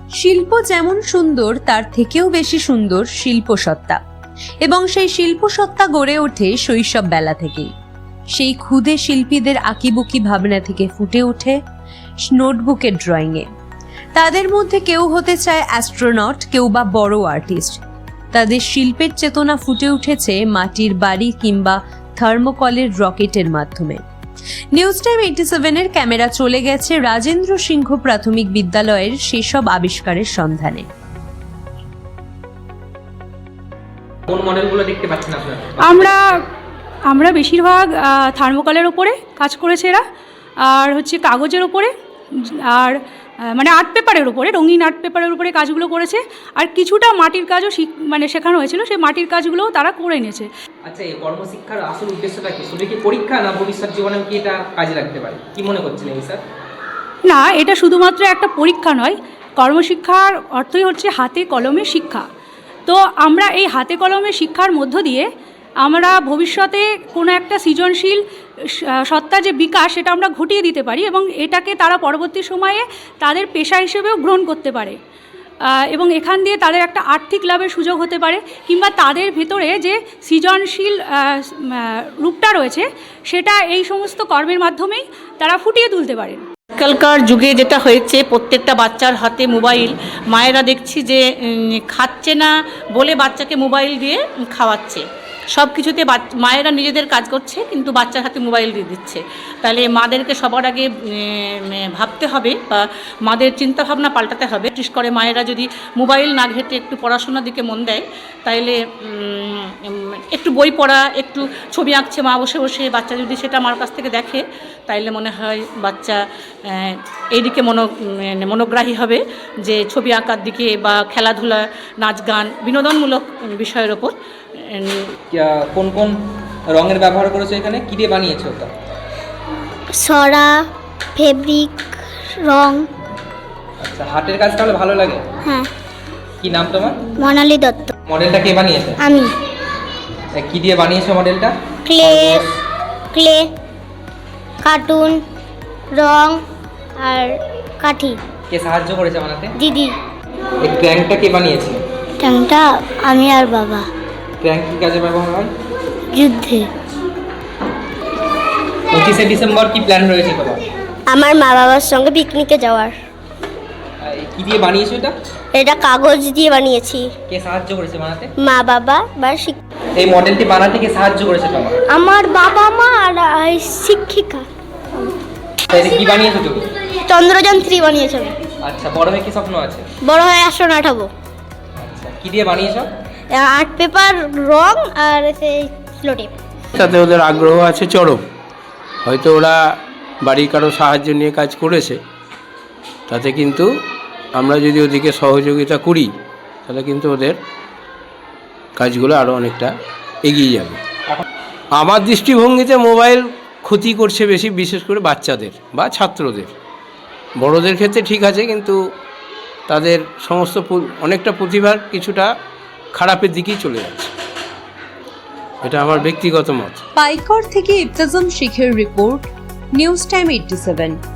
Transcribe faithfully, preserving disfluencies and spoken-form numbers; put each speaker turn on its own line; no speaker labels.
শিল্প যেমন সুন্দর তার থেকেও বেশি সুন্দর শিল্পসত্তা, এবং সেই শিল্পসত্তা গড়ে ওঠে শৈশব বেলা থেকেই। সেই ক্ষুদে শিল্পীদের আঁকিবুকি ভাবনা থেকে ফুটে ওঠে নোটবুকের ড্রয়িংয়ে। তাদের মধ্যে কেউ হতে চায় অ্যাস্ট্রোনট, কেউ বা বড় আর্টিস্ট। তাদের শিল্পের চেতনা ফুটে উঠেছে মাটির বাড়ি কিংবা থার্মোকলের রকেটের মাধ্যমে। নিউজ টাইম এইটি সেভেনের ক্যামেরা চলে গেছে রাজেন্দ্র সিংহ প্রাথমিক বিদ্যালয়ের সেসব আবিষ্কারের সন্ধানে।
কোন মডেলগুলো দেখতে পাচ্ছেন আপনারা?
আমরা আমরা বেশিরভাগ থার্মোকলের ওপরে কাজ করেছে এরা, আর হচ্ছে কাগজের ওপরে, আর মানে আর্ট পেপারের উপরে, রঙিন আর্ট পেপারের উপরে কাজগুলো করেছে, আর কিছুটা মাটির কাজও মানে শেখানো হয়েছিল, সেই মাটির কাজগুলোও তারা করে নিয়েছে।
আচ্ছা, এই কর্মশিক্ষার আসল উদ্দেশ্যটা কি? শুধু কি পরীক্ষা, না ভবিষ্যৎ জীবনে কি এটা কাজে লাগতে পারে? কি মনে করছেন এই স্যার?
না, এটা শুধুমাত্র একটা পরীক্ষা নয়। কর্মশিক্ষার অর্থই হচ্ছে হাতে কলমে শিক্ষা। তো আমরা এই হাতে কলমে শিক্ষার মধ্য দিয়ে আমরা ভবিষ্যতে কোনো একটা সৃজনশীল সত্তা যে বিকাশ, সেটা আমরা ঘটিয়ে দিতে পারি, এবং এটাকে তারা পরবর্তী সময়ে তাদের পেশা হিসেবেও গ্রহণ করতে পারে, এবং এখান দিয়ে তাদের একটা আর্থিক লাভের সুযোগ হতে পারে, কিংবা তাদের ভেতরে যে সৃজনশীল রূপটা রয়েছে সেটা এই সমস্ত কর্মের মাধ্যমেই তারা ফুটিয়ে তুলতে পারেন।
আজকালকার যুগে যেটা হয়েছে, প্রত্যেকটা বাচ্চার হাতে মোবাইল। মায়েরা দেখছি যে খাচ্ছে না বলে বাচ্চাকে মোবাইল দিয়ে খাওয়াচ্ছে। সব কিছুতে মায়েরা নিজেদের কাজ করছে, কিন্তু বাচ্চার হাতে মোবাইল দিয়ে দিচ্ছে। তাহলে মাদেরকে সবার আগে ভাবতে হবে, বা মাদের চিন্তাভাবনা পাল্টাতে হবে। বিশেষ করে মায়েরা যদি মোবাইল না ঘেঁটে একটু পড়াশোনার দিকে মন দেয়, তাইলে একটু বই পড়া, একটু ছবি আঁকছে মা বসে বসে, বাচ্চা যদি সেটা আমার কাছ থেকে দেখে, তাইলে মনে হয় বাচ্চা এইদিকে মনো মনোগ্রাহী হবে, যে ছবি আঁকার দিকে বা খেলাধুলা, নাচ গান, বিনোদনমূলক বিষয়ের ওপর।
কোন কোন রঙের ব্যবহার করেছো এখানে? কি দিয়ে বানিয়েছো ওটা?
সরা, ফেব্রিক, রং।
আচ্ছা, হাতের কাজ তাহলে ভালো লাগে?
হ্যাঁ।
কি নাম তোমার?
মনালি দত্ত।
মডেলটা কে বানিয়েছে?
আমি।
কি দিয়ে বানিয়েছো মডেলটা?
ক্লে, ক্লে, কার্টুন, রং আর কাঠি।
কে সাহায্য করেছে বানাতে?
দিদি।
এই ক্র্যাঙ্কটা কে বানিয়েছে?
ট্যাংটা আমি আর বাবা।
ক্র্যাঙ্ক কি কাজে ব্যবহার হয়?
যুদ্ধে।
পঁচিশে ডিসেম্বর কি প্ল্যান রয়েছে তোমার?
আমার মা বাবার সঙ্গে পিকনিকে যাওয়ার।
কি দিয়ে বানিয়েছো এটা?
এটা কাগজ দিয়ে বানিয়েছি।
কে সাহায্য করেছে বানাতে?
মা বাবা বা
এই মডেলটি বানাতে কে সাহায্য করেছে তোমার?
আমার বাবা মা আর শিক্ষিকা।
তাহলে কি বানিয়েছো তুমি?
চন্দ্রযান থ্রি বানিয়েছি।
আচ্ছা, বড় হয়ে কি স্বপ্ন আছে?
বড় হয়ে অ্যাস্ট্রোনট হব।
আচ্ছা, কি দিয়ে বানিয়েছো?
আর্ট পেপার, রং আর সেই স্লোটেপ।
তাতে ওদের আগ্রহ আছে চরম। হয়তো ওরা বাড়ির কারো সাহায্য নিয়ে কাজ করেছে, তাতে কিন্তু আমরা যদি ওদিকে সহযোগিতা করি, তাহলে কিন্তু ওদের কাজগুলো আরও অনেকটা এগিয়ে যাবে। আমার দৃষ্টিভঙ্গিতে মোবাইল ক্ষতি করছে বেশি, বিশেষ করে বাচ্চাদের বা ছাত্রদের। বড়দের ক্ষেত্রে ঠিক আছে, কিন্তু তাদের সমস্ত অনেকটা প্রতিভার কিছুটা খারাপের দিকেই চলে যাচ্ছে। এটা আমার ব্যক্তিগত মত।
পাইকর থেকে ইবতাজম শেখের report, news time eighty seven.